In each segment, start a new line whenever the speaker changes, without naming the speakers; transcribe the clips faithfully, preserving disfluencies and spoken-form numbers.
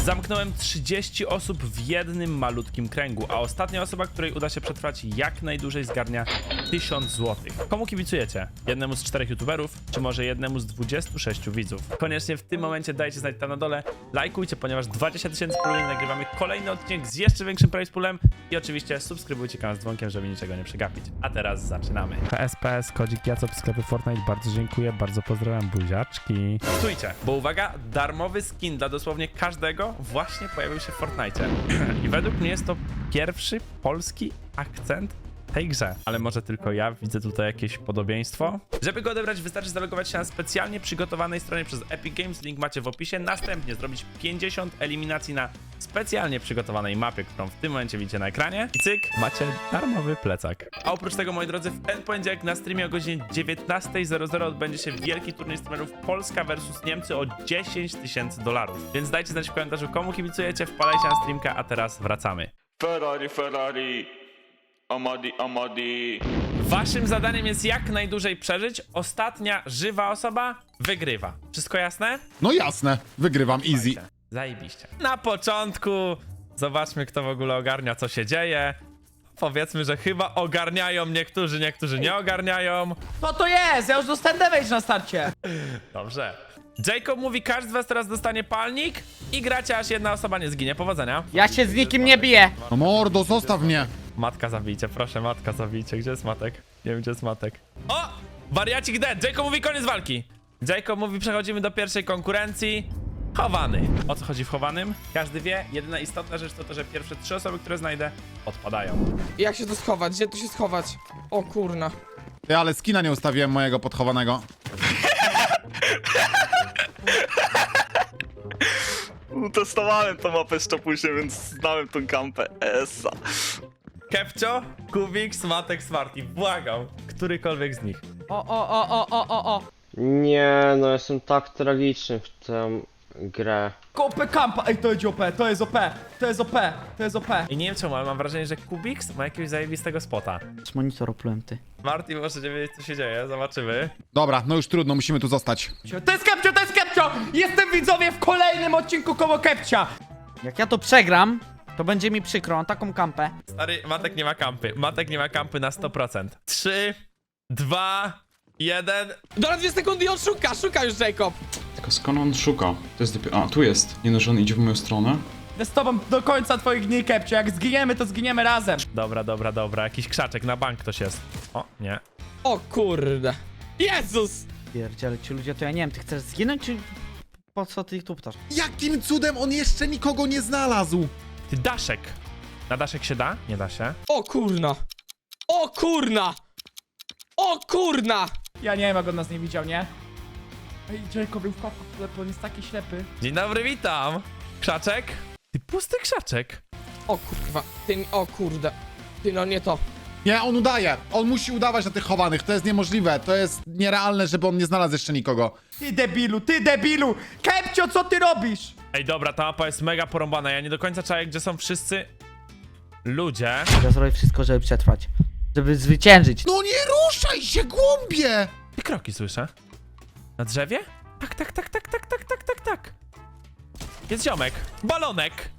Zamknąłem trzydzieści osób w jednym malutkim kręgu, a ostatnia osoba, której uda się przetrwać jak najdłużej, zgarnia tysiąc złotych. Komu kibicujecie? Jednemu z czterech youtuberów, czy może jednemu z dwudziestu sześciu widzów? Koniecznie w tym momencie dajcie znać tam na dole, lajkujcie, ponieważ dwadzieścia tysięcy puli nagrywamy kolejny odcinek z jeszcze większym prize poolem i oczywiście subskrybujcie kanał z dzwonkiem, żeby niczego nie przegapić. A teraz zaczynamy. P S P S, kodzik Jacop, sklepy Fortnite, bardzo dziękuję, bardzo pozdrawiam, buziaczki. Stójcie, bo uwaga, darmowy skin dla dosłownie każdego właśnie pojawił się w Fortnite. I według mnie jest to pierwszy polski akcent w tej grze. Ale może tylko ja widzę tutaj jakieś podobieństwo. Żeby go odebrać, wystarczy zalogować się na specjalnie przygotowanej stronie przez Epic Games. Link macie w opisie. Następnie zrobić pięćdziesiąt eliminacji na specjalnie przygotowanej mapie, którą w tym momencie widzicie na ekranie. I cyk, macie darmowy plecak. A oprócz tego, moi drodzy, w ten poniedziałek na streamie o godzinie dziewiętnasta zero zero odbędzie się wielki turniej streamerów Polska versus Niemcy o dziesięć tysięcy dolarów. Więc dajcie znać w komentarzu, komu kibicujecie, wpadajcie na streamka, a teraz wracamy.
Ferrari, Ferrari, Amadi, Amadi.
Waszym zadaniem jest jak najdłużej przeżyć. Ostatnia żywa osoba wygrywa. Wszystko jasne?
No jasne, wygrywam easy.
Zajebiście. Na początku zobaczmy, kto w ogóle ogarnia, co się dzieje. Powiedzmy, że chyba ogarniają niektórzy, niektórzy nie ogarniają.
Co to jest? Ja już dostałem damage na starcie.
Dobrze. Jacob mówi, każdy z was teraz dostanie palnik i gracie, aż jedna osoba nie zginie. Powodzenia.
Ja się z nikim nie biję.
No mordo, zostaw mnie.
Matka zabijcie, proszę, matka zabijcie. Gdzie jest Matek? Nie wiem, gdzie jest Matek. O! Wariacik dead! Jacob mówi, koniec walki. Jacob mówi, przechodzimy do pierwszej konkurencji. Chowany. O co chodzi w chowanym? Każdy wie, jedyna istotna rzecz to to, że pierwsze trzy osoby, które znajdę, odpadają.
Jak się tu schować? Gdzie tu się schować? O kurna.
Ty, ale skina nie ustawiłem mojego podchowanego.
Testowałem tą mapę jeszcze później, więc znałem tą kampę. Esa.
Kepcio, Kubik, Matek, Smarty. Błagam. Którykolwiek z nich.
O, o, o, o, o, o, o.
Nie, no jestem tak tragiczny w tę grę.
O P kampa. Ej, to jest O P, to jest O P, to jest O P, to jest O P.
I nie wiem czemu, ale mam wrażenie, że Kubik ma jakiegoś zajebistego spota.
Z monitor oplułem, ty.
Marty, możecie wiedzieć, co się dzieje. Zobaczymy.
Dobra, no już trudno, musimy tu zostać.
To jest Kepcio, to jest Kepcio! Jestem, widzowie, w kolejnym odcinku koło Kepcia. Jak ja to przegram, to będzie mi przykro, on taką kampę.
Stary, Matek nie ma kampy. Matek nie ma kampy na sto procent. trzy, dwa, jeden.
Dobra, dwie sekundy i on szuka, szuka już Jacob.
Tylko skąd on szuka? To jest dopiero... A, tu jest. Nie no, że on idzie w moją stronę.
Będę z tobą do końca twoich dni, Kepcio. Jak zginiemy, to zginiemy razem.
Dobra, dobra, dobra. Jakiś krzaczek na bank ktoś jest. O, nie.
O kurde. Jezus!
Pierdziele, ci ludzie, to ja nie wiem, ty chcesz zginąć, czy po co ty ich tu ptasz?
Jakim cudem on jeszcze nikogo nie znalazł?
Ty, daszek. Na daszek się da? Nie da się.
O kurna. O kurna! O kurna!
Ja nie wiem, jak on nas nie widział, nie? Ej, Jacob był w papu, on jest taki ślepy.
Dzień dobry, witam. Krzaczek? Ty, pusty krzaczek.
O kurwa. Ty, o kurde. Ty, no nie to.
Nie, on udaje. On musi udawać na tych chowanych. To jest niemożliwe. To jest nierealne, żeby on nie znalazł jeszcze nikogo.
Ty debilu, ty debilu! Kepcio, co ty robisz?
Ej, dobra, ta mapa jest mega porąbana. Ja nie do końca czaję, gdzie są wszyscy ludzie.
Ja zrobię wszystko, żeby przetrwać. Żeby zwyciężyć.
No nie ruszaj się, głąbie!
I kroki słyszę. Na drzewie? Tak, tak, tak, tak, tak, tak, tak, tak, tak. Jest ziomek. Balonek.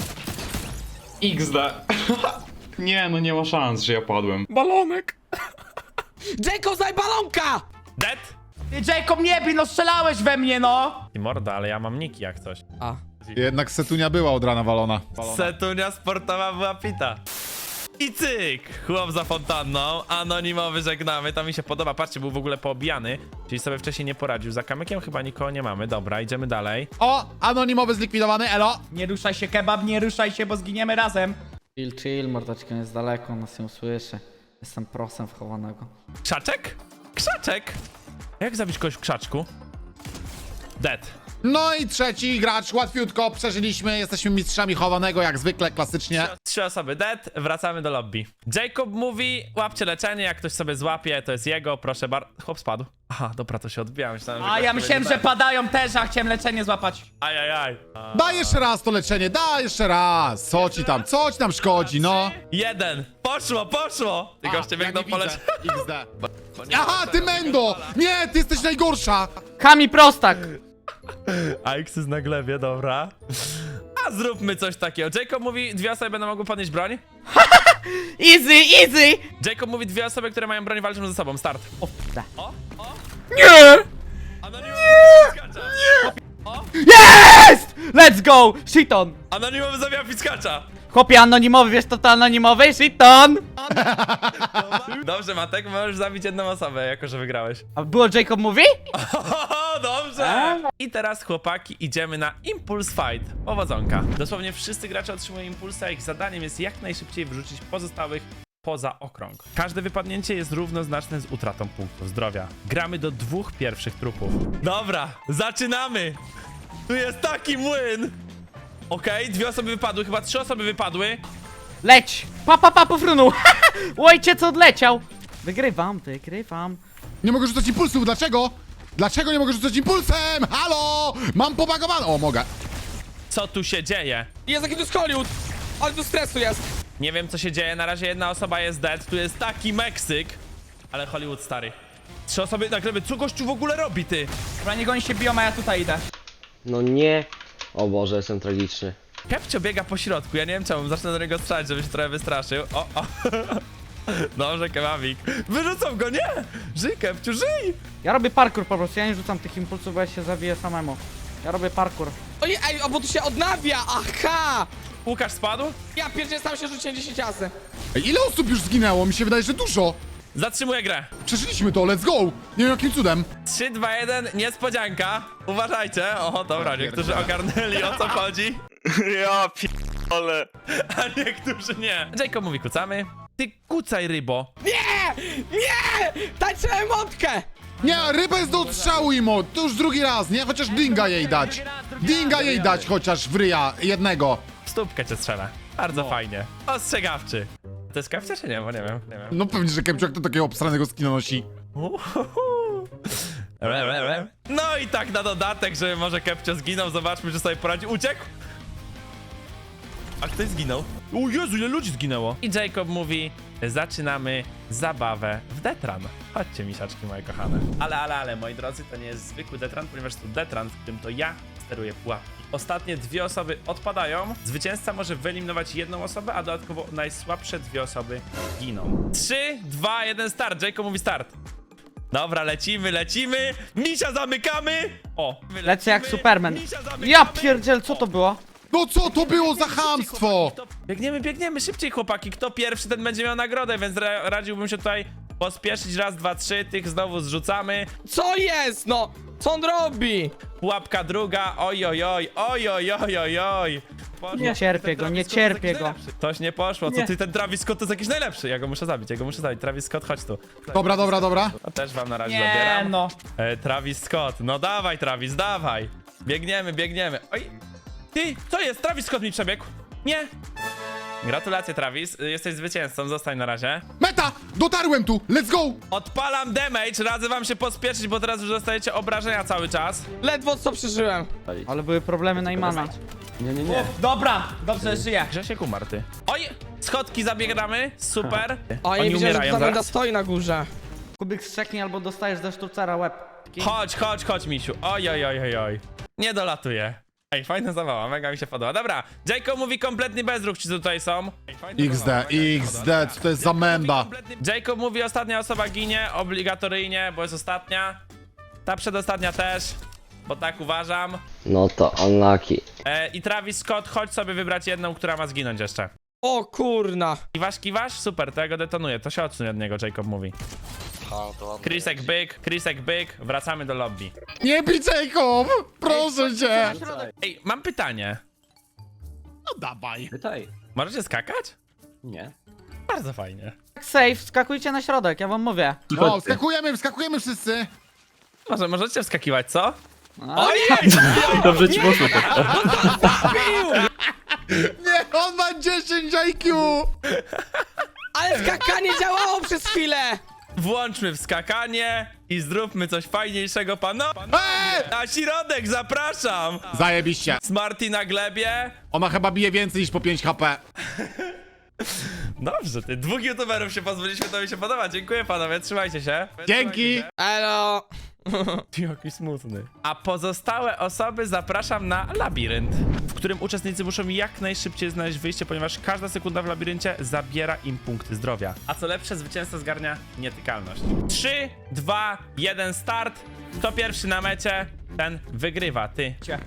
iks de. Nie, no nie ma szans, że ja padłem.
Balonek! Jacob, zaj balonka!
Dead?
Ty, Jacob, nie bij, no strzelałeś we mnie, no!
I morda, ale ja mam niki jak coś.
A.
Jednak setunia była od rana walona.
Setunia sportowa była pita. I cyk! Chłop za fontanną, anonimowy żegnamy, to mi się podoba. Patrzcie, był w ogóle poobijany, czyli sobie wcześniej nie poradził. Za kamykiem chyba nikogo nie mamy. Dobra, idziemy dalej.
O, anonimowy zlikwidowany, elo!
Nie ruszaj się, kebab, nie ruszaj się, bo zginiemy razem.
Chill, chill, mordeczka jest daleko, on nas nie usłyszy. Jestem prosem wchowanego.
Krzaczek? Krzaczek! Jak zabić kogoś w krzaczku? Dead.
No i trzeci gracz, łatwiutko, przeżyliśmy, jesteśmy mistrzami chowanego, jak zwykle, klasycznie.
Trzy osoby dead, wracamy do lobby. Jacob mówi, łapcie leczenie, jak ktoś sobie złapie, to jest jego, proszę bardzo. Chłop spadł. Aha, dobra, to się odbija. Myślałem, że
A
ktoś
ja
sobie
myślałem,
nie
że
da.
padają też, a chciałem leczenie złapać.
Ajajaj.
Daj jeszcze raz to leczenie, daj jeszcze raz! Co ci tam, co ci tam szkodzi, no?
Jeden. Poszło, poszło. Ty goście biegną po leczenie.
iks de. Aha, ty Mendo! Nie, ty jesteś najgorsza!
Kami prostak!
A X jest na glebie, dobra. zróbmy coś takiego. Jacob mówi, dwie osoby będą mogły podnieść broń.
Easy, easy!
Jacob mówi, dwie osoby, które mają broń, walczą ze sobą. Start.
O, da.
O, o.
Nie!
Anonimowy piskacza.
Jest! Let's go! Shiton!
Anonimowy zabija piskacza.
Chłopie anonimowy, wiesz to to anonimowy? Shiton!
Dobrze, Matek, możesz zabić jedną osobę, jako że wygrałeś.
A było Jacob mówi?
O, dobrze! I teraz, chłopaki, idziemy na Impulse Fight. Powodzonka. Dosłownie wszyscy gracze otrzymują impulsa, ich zadaniem jest jak najszybciej wyrzucić pozostałych poza okrąg. Każde wypadnięcie jest równoznaczne z utratą punktów zdrowia. Gramy do dwóch pierwszych trupów. Dobra, zaczynamy! Tu jest taki młyn! Okej, dwie osoby wypadły, chyba trzy osoby wypadły.
Leć! Pa, pa, pa, pofrunął! Ojciec odleciał! Wygrywam, wygrywam.
Nie mogę rzucać impulsów, dlaczego? Dlaczego nie mogę rzucać impulsem? Halo! Mam pobagowane. O, mogę.
Co tu się dzieje?
Jest jaki tu jest Hollywood! Ale tu stresu jest!
Nie wiem, co się dzieje, na razie jedna osoba jest dead, tu jest taki Meksyk. Ale Hollywood stary. Trzy osoby na glebie, co gościu w ogóle robi, ty?
Dobra, niech oni się biją, a ja tutaj idę.
No nie. O Boże, jestem tragiczny.
Kepcio biega po środku, ja nie wiem czemu, zacznę do niego strzelać, żeby się trochę wystraszył. O, o. Dobrze, kebabik. Wyrzucą go, nie! Żyj, Kepciu, żyj!
Ja robię parkour po prostu, ja nie rzucam tych impulsów, bo ja się zabiję samemu. Ja robię parkour.
Ojej, ej, a bo tu się odnawia! Aha!
Łukasz spadł?
Ja pierdzielę, sam się rzuciłem dziesięć razy.
Ej, ile osób już zginęło? Mi się wydaje, że dużo.
Zatrzymuję grę.
Przeżyliśmy to, let's go. Nie wiem jakim cudem.
trzy, dwa, jeden, niespodzianka. Uważajcie. O, dobra, niektórzy ogarnęli, o co chodzi,
Ja p***ole.
a niektórzy nie. Jacob mówi, kucamy. Ty kucaj, rybo.
Nie! Nie! Tańczę emotkę!
Nie, ryba jest do odstrzału, Imo. To już drugi raz, nie? Chociaż dinga jej dać. Dinga jej dać chociaż w ryja jednego.
W stópkę cię strzelę. Bardzo fajnie. Ostrzegawczy. To jest kawcia czy nie? Bo nie wiem, nie wiem.
No pewnie, że Kepciok to takiego obstranego skina nosi.
Uhuhu. No i tak na dodatek, że może Kepcio zginął, zobaczmy, czy sobie poradzi. Uciekł! A ktoś zginął. O Jezu, ile ludzi zginęło. I Jacob mówi, zaczynamy zabawę w Detran. Chodźcie, misiaczki moje kochane. Ale, ale, ale, moi drodzy, to nie jest zwykły Detran, ponieważ to Detran, w którym to ja steruję pułapki. Ostatnie dwie osoby odpadają. Zwycięzca może wyeliminować jedną osobę, a dodatkowo najsłabsze dwie osoby giną. trzy, dwa, jeden, start. Jacob mówi start. Dobra, lecimy, lecimy. Misia zamykamy. O, my
Lecę jak
lecimy.
Superman.
Misia zamykamy.
Ja pierdziel, co to było?
No co to było za chamstwo?
Biegniemy, biegniemy, szybciej chłopaki. Kto pierwszy, ten będzie miał nagrodę, więc ra radziłbym się tutaj pospieszyć. Raz, dwa, trzy, tych znowu zrzucamy.
Co jest, no? Co on robi?
Pułapka druga, oj, oj, oj, oj, oj, oj, oj, oj. Poszło.
Nie cierpię
Ten
go,
Travis
nie
Scott to jest
cierpię
jakiś
go.
najlepszy. Coś nie poszło, co
Nie.
ty, ten Travis Scott to jest jakiś najlepszy. Ja go muszę zabić, ja go muszę zabić. Travis Scott, chodź tu.
Dobra, dobra, dobra.
To też wam na razie
Nie
zabieram.
no.
E, Travis Scott, no dawaj Travis, dawaj. Biegniemy, biegniemy. Oj, ty, co jest? Travis Scott mi przebiegł. Nie. Gratulacje Travis, jesteś zwycięzcą, zostań na razie.
Meta! Dotarłem tu, let's go!
Odpalam damage, radzę wam się pospieszyć, bo teraz już dostajecie obrażenia cały czas.
Ledwo co przeżyłem.
Ale były problemy Najmana. Nie, nie, nie. Dobra, dobrze, żyję.
Grzesiek umarł, ty. Oj, schodki zabieramy, super.
O, ja
Oni
nie widziałem, że
umierają
ta menda
zaraz.
stoi na górze.
Kubik strzeknie albo dostajesz ze sztucera łeb.
Chodź, chodź, chodź, misiu. Oj, oj, oj, oj, oj. Nie dolatuje. Ej, fajna zabawa, mega mi się podoba. Dobra, Jacob mówi kompletny bezruch, ci tutaj są. Ej, fajna
X
zabawa,
D,
mega mi się
X
podoba.
D, co to jest za menda?
Kompletny- Jacob mówi, ostatnia osoba ginie, obligatoryjnie, bo jest ostatnia. Ta przedostatnia też, bo tak uważam.
No to unlucky.
E, I Travis Scott, chodź sobie wybrać jedną, która ma zginąć jeszcze.
O kurna.
Kiwasz, kiwasz? Super, to ja go detonuję, to się odsunie od niego, Jacob mówi. Chrisek byk, Chrisek byk, wracamy do lobby.
Nie bij Jacob! Proszę cię!
Ej, mam pytanie.
No dawaj.
Pytaj.
Możecie skakać?
Nie.
Bardzo fajnie.
Safe, skakujcie na środek, ja wam mówię.
No, wskakujemy, wskakujemy wszyscy!
Może możecie wskakiwać, co?
A?
Ojej!
Dobrze ci poszło.
Nie, on ma dziesięć I Q!
Ale skakanie działało przez chwilę.
Włączmy wskakanie i zróbmy coś fajniejszego, pano.
Eee!
Na środek, zapraszam!
Zajebiście.
Smarty na glebie.
Ona chyba bije więcej niż po pięć H P.
Dobrze, ty dwóch youtuberów się pozbyliśmy, to mi się podoba. Dziękuję panowie, trzymajcie się.
Dzięki!
Elo.
Ty, jaki smutny. A pozostałe osoby zapraszam na labirynt, w którym uczestnicy muszą jak najszybciej znaleźć wyjście, ponieważ każda sekunda w labiryncie zabiera im punkty zdrowia. A co lepsze, zwycięzca zgarnia nietykalność. trzy, dwa, jeden, start. Kto pierwszy na mecie, ten wygrywa. Ty.
Cie.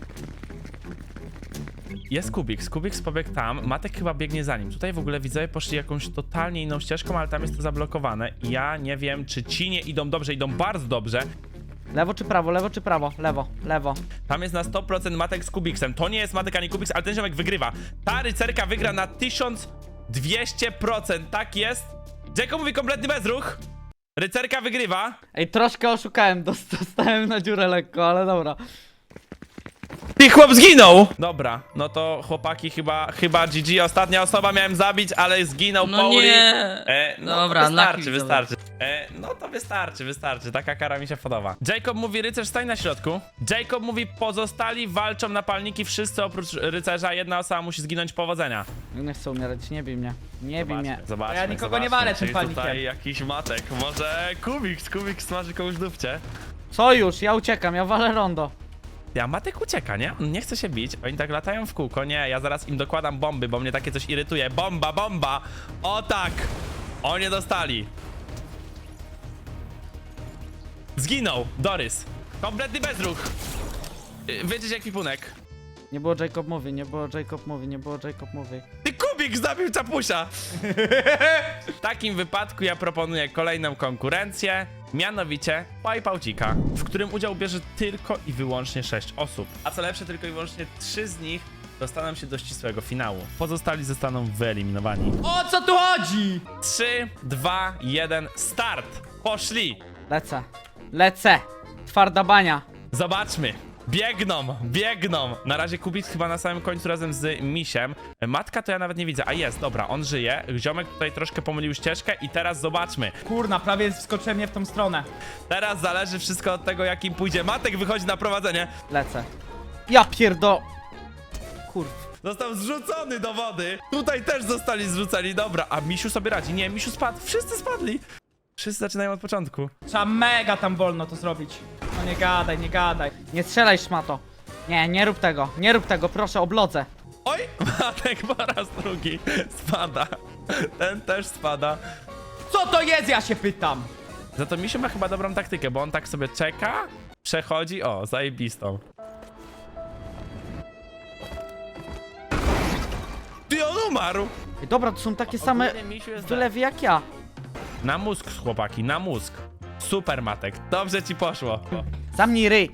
Jest Kubiks, Kubiks pobiegł tam, Matek chyba biegnie za nim. Tutaj w ogóle widzowie poszli jakąś totalnie inną ścieżką, ale tam jest to zablokowane. I ja nie wiem, czy ci nie idą dobrze, idą bardzo dobrze.
Lewo czy prawo, lewo czy prawo? Lewo, lewo.
Tam jest na sto procent Matek z Kubiksem. To nie jest Matek ani Kubiks, ale ten ziomek wygrywa. Ta rycerka wygra na tysiąc dwieście procent, tak jest. Jacob mówi kompletny bezruch. Rycerka wygrywa.
Ej, troszkę oszukałem, dost- dostałem na dziurę lekko, ale dobra.
I chłop zginął! Dobra, no to chłopaki chyba, chyba G G. Ostatnia osoba miałem zabić, ale zginął
No
Pauli.
nie.
E, no
Dobra,
to wystarczy,
lucky
wystarczy. E, no to wystarczy, wystarczy. Taka kara mi się podoba. Jacob mówi, rycerz stań na środku. Jacob mówi, pozostali walczą na palniki, wszyscy oprócz rycerza. Jedna osoba musi zginąć, powodzenia.
Nie chcę umierać, nie bij mnie. Nie bij mnie.
Zobaczmy,
Ja nikogo nie
zobaczmy,
walę
czy
tym palnikiem.
tutaj jakiś Matek. Może Kubiks, Kubiks smaży komuś dupcie.
Co już? Ja uciekam, ja walę rondo.
Ja Matek ucieka, nie? Nie chce się bić. Oni tak latają w kółko. Nie, ja zaraz im dokładam bomby, bo mnie takie coś irytuje. Bomba, bomba! O tak! O, nie dostali. Zginął. Dorys. Kompletny bezruch. Yy, Wyjdziesz jak pipunek.
Nie było Jacob mówi, nie było Jacob mówi, nie było Jacob mówi.
Ty Kubik zabił czapusia! W takim wypadku ja proponuję kolejną konkurencję, mianowicie Pajpałcika, w którym udział bierze tylko i wyłącznie sześć osób. A co lepsze, tylko i wyłącznie trzy z nich dostaną się do ścisłego finału. Pozostali zostaną wyeliminowani.
O co tu chodzi?
trzy, dwa, jeden, start! Poszli!
Lecę. Lecę. Twarda bania.
Zobaczmy. Biegną, biegną. Na razie Kubik chyba na samym końcu razem z Misiem. Matka to ja nawet nie widzę. A jest, dobra, on żyje. Ziomek tutaj troszkę pomylił ścieżkę i teraz zobaczmy.
Kurna, prawie wskoczyłem nie w tą stronę.
Teraz zależy wszystko od tego, jakim pójdzie. Matek wychodzi na prowadzenie.
Lecę. Ja pierdo... Kurw.
Został zrzucony do wody. Tutaj też zostali zrzuceni. Dobra, a Misiu sobie radzi. Nie, Misiu spadł. Wszyscy spadli. Wszyscy zaczynają od początku.
Trzeba mega tam wolno to zrobić. No nie gadaj, nie gadaj. Nie strzelaj, szmato. Nie, nie rób tego. Nie rób tego, proszę, oblodzę.
Oj, Matek po raz drugi spada. Ten też spada.
Co to jest, ja się pytam?
Za to Misiu ma chyba dobrą taktykę, bo on tak sobie czeka, przechodzi, o, zajebistą. Ty, on umarł!
Ej, dobra, to są takie same
Ogólnie Misiu jest
wylewy jak ja.
na mózg, chłopaki, na mózg. Super, Matek, dobrze ci poszło.
Zamknij ryj.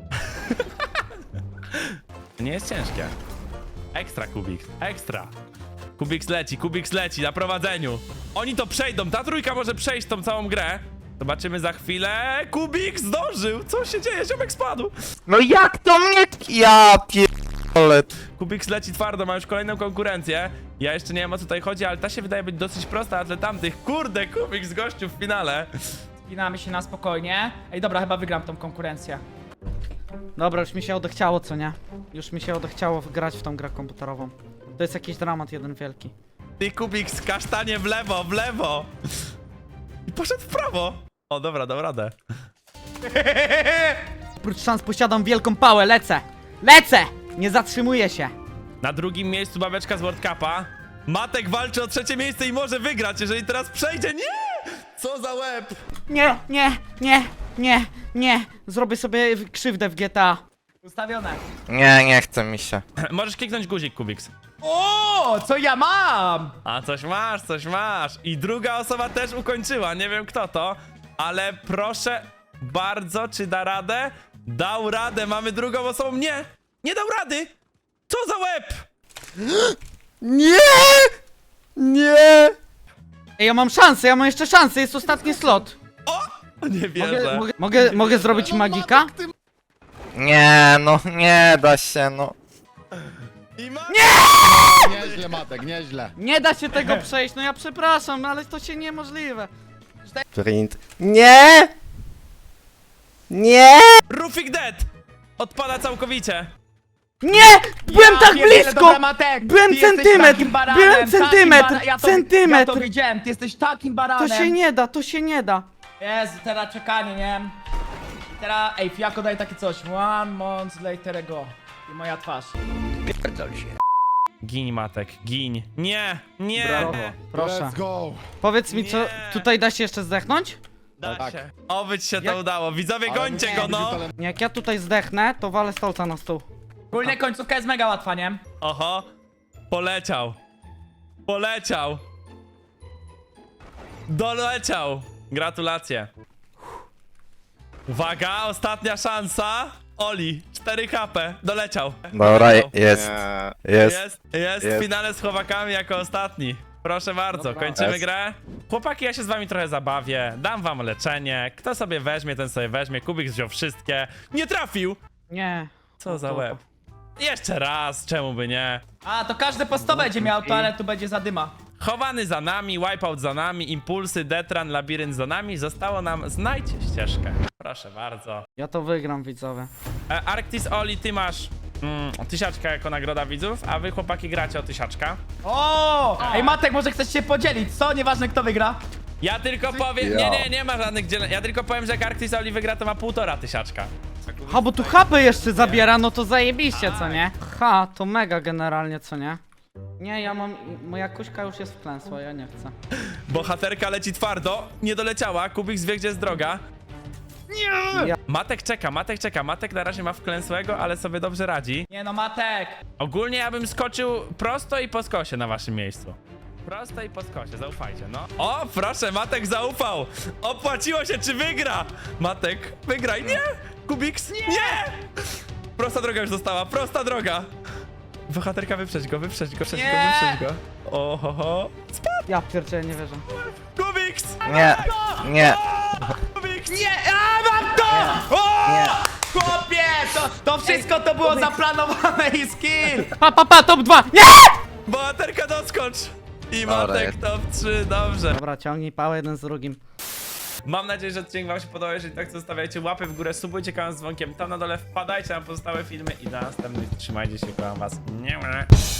Nie jest ciężkie. Ekstra, Kubik, ekstra. Kubik leci, Kubik leci na prowadzeniu. Oni to przejdą, ta trójka może przejść tą całą grę. Zobaczymy za chwilę. Kubik zdążył! Co się dzieje? Ziomek spadł!
No jak to mnie... Ja pierdolę.
Kubik leci twardo, ma już kolejną konkurencję. Ja jeszcze nie wiem, o co tutaj chodzi, ale ta się wydaje być dosyć prosta, a dla tamtych, kurde, Kubik z gościu w finale.
Spinamy się na spokojnie. Ej, dobra, chyba wygram tą konkurencję. Dobra, już mi się odechciało, co nie? Już mi się odechciało grać w tą grę komputerową. To jest jakiś dramat jeden wielki.
Ty, Kubik, z kasztanie w lewo, w lewo! I poszedł w prawo! O, dobra, dam radę.
Oprócz szans posiadam wielką pałę, lecę! Lecę! Nie zatrzymuję się!
Na drugim miejscu babeczka z World Cupa. Matek walczy o trzecie miejsce i może wygrać, jeżeli teraz przejdzie. Nie! Co za łeb!
Nie, nie, nie, nie, nie! Zrobię sobie w- krzywdę w G T A. Ustawione.
Nie, nie chce mi się.
Możesz kliknąć guzik, Kubiks.
O, co ja mam?
A coś masz, coś masz. I druga osoba też ukończyła. Nie wiem kto to, ale proszę bardzo, czy da radę? Dał radę, mamy drugą osobą. Nie! Nie dał rady! Co za łeb!
Nie! Nie!
Ej, ja mam szansę, ja mam jeszcze szansę, jest ostatni slot.
O! Nie
Mogę,
wierzę.
mogę, mogę, mogę zrobić magika?
Nie, no nie da się, no.
I ma...
Nieźle, Matek, nieźle.
Nie da się tego przejść, no ja przepraszam, ale to się niemożliwe.
Print. Nie! Nie!
Rufik dead! Odpada całkowicie.
Nie! Byłem tak blisko! Byłem centymetr! Byłem centymetr! Centymetr!
Ja to widziałem, ty jesteś takim
To
baranem.
się nie da, to się nie da.
Jezu, teraz czekanie, nie?
Teraz, ej, Fiako daj takie coś. One month later ago. I moja twarz.
Gin, Matek, gin. Nie, nie.
Brawo. Proszę.
Let's go.
Powiedz mi, co,
Nie.
tutaj da się jeszcze zdechnąć?
Da się. Oby ci się to
Jak-
udało. Widzowie, gońcie go, no.
Nie, jak ja tutaj zdechnę, to walę stolca na stół. Ogólnie końcówka jest mega łatwa, nie?
Oho. Poleciał. Poleciał. Doleciał. Gratulacje. Uwaga, ostatnia szansa. Oli, cztery H P. Doleciał.
Dobra, jest,
Nie.
jest.
Jest, jest,
Jest.
w finale z chłopakami jako ostatni. Proszę bardzo,
Dobra.
kończymy
Jest.
grę. Chłopaki, ja się z wami trochę zabawię. Dam wam leczenie. Kto sobie weźmie, ten sobie weźmie. Kubik wziął wszystkie. Nie trafił!
Nie.
Co za łeb. Jeszcze raz, czemu by nie?
A, to każdy po sto będzie miał, to ale tu będzie zadyma.
Chowany za nami, wipeout za nami, impulsy, detran, labirynt za nami. Zostało nam znajdź ścieżkę. Proszę bardzo.
Ja to wygram, widzowie.
E, Arctis Oli, ty masz mm, tysiaczka jako nagroda widzów, a wy chłopaki gracie o tysiaczka.
O! Ej, Matek, może chcesz się podzielić, co? Nieważne, kto wygra.
Ja tylko powiem, nie, nie, nie ma żadnych dzieleń. Ja tylko powiem, że jak Arctis Oli wygra, to ma półtora tysiaczka.
Ha, bo tu hapy jeszcze zabiera, no to zajebiście, co nie? Ha, to mega generalnie, co nie? Nie, ja mam... Moja kuśka już jest wklęsła, ja nie chcę.
Bohaterka leci twardo, nie doleciała, Kubik wie, gdzie jest droga. Nie!
Ja-
Matek czeka, Matek czeka, Matek na razie ma wklęsłego, ale sobie dobrze radzi.
Nie no, Matek!
Ogólnie ja bym skoczył prosto i po skosie na waszym miejscu. Prosto i po skosie, zaufajcie, no. O, proszę, Matek zaufał! Opłaciło się, czy wygra? Matek, wygraj, nie! Kubiks, nie! nie! Prosta droga już została, prosta droga! Bohaterka, wyprzedź go, wyprzedź go, wyprzedź go,
Nie!
wyprzedź go. Ohoho.
Ja pierdzielę, nie wierzę.
Kubiks!
Nie, nie.
Kubiks!
Nie, a mam to! O!
Nie.
Chłopie, to, to wszystko to było zaplanowane i skill! Pa, pa, pa, top dwa! Nie!
Bohaterka, doskocz! I
Dobra,
Matek
jest.
top trzy, dobrze.
Dobra, ciągnij pałę jeden z drugim.
Mam nadzieję, że odcinek wam się podobał. Jeżeli tak, to zostawiajcie łapy w górę, subujcie kanał z dzwonkiem tam na dole, wpadajcie na pozostałe filmy i do następnych. Trzymajcie się, kocham was. Nie ma.